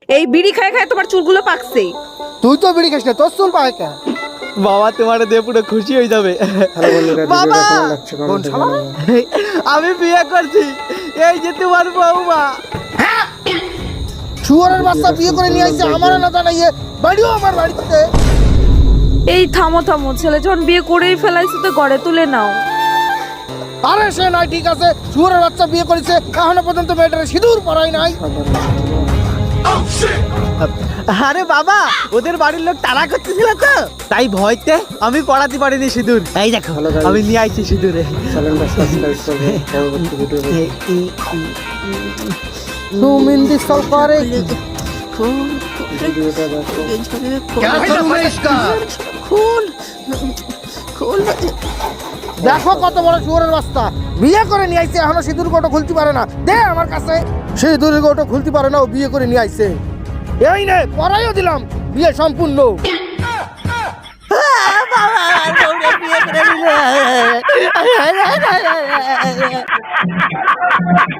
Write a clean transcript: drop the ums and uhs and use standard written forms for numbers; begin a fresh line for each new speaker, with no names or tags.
এই বিড়ি খায় খায় তোমার চুলগুলো পাকছে।
তুই তো বিড়ি খাস না, তোর চুল পায় কেন?
বাবা তোমার দিয়ে পুরো খুশি হয়ে যাবে।
বাবা
আমি বিয়ে করছি, এই যে তোমার বৌমা।
শুয়োরের বাচ্চা বিয়ে করে নিয়ে আসছে আমার না জানাইয়ে, বাড়িও আমার বাড়িতে।
এই থামো থামো, ছেলে যখন বিয়ে করেই ফেলাইছে তো ঘরে তুলে নাও।
আরে সে নয়, ঠিক আছে, শুয়োরের বাচ্চা বিয়ে করেছে, এখনো পর্যন্ত মেয়েটারে সিঁদুর পরাই নাই।
আরে বাবা, ওদের বাড়ির লোক তাড়া করতেছিল তো, তাই ভয়তে আমি পড়াতে পারিনি সিঁদুর। এই দেখো আমি নিয়ে আইছি সিঁদুরে।
সুমিন্দি সরকারে দেখো কত বড় শুয়োরের বাচ্চা, বিয়ে করে নিয়ে আইছে, এখনো সিঁদুর গোটো খুলতে পারে না। দে আমার কাছে, সিঁদুরের গোটো খুলতে পারে না, ও বিয়ে করে নিয়ে আইছে। এই নে পরাইও দিলাম, বিয়ে সম্পূর্ণ।
বিয়ে করে নিল।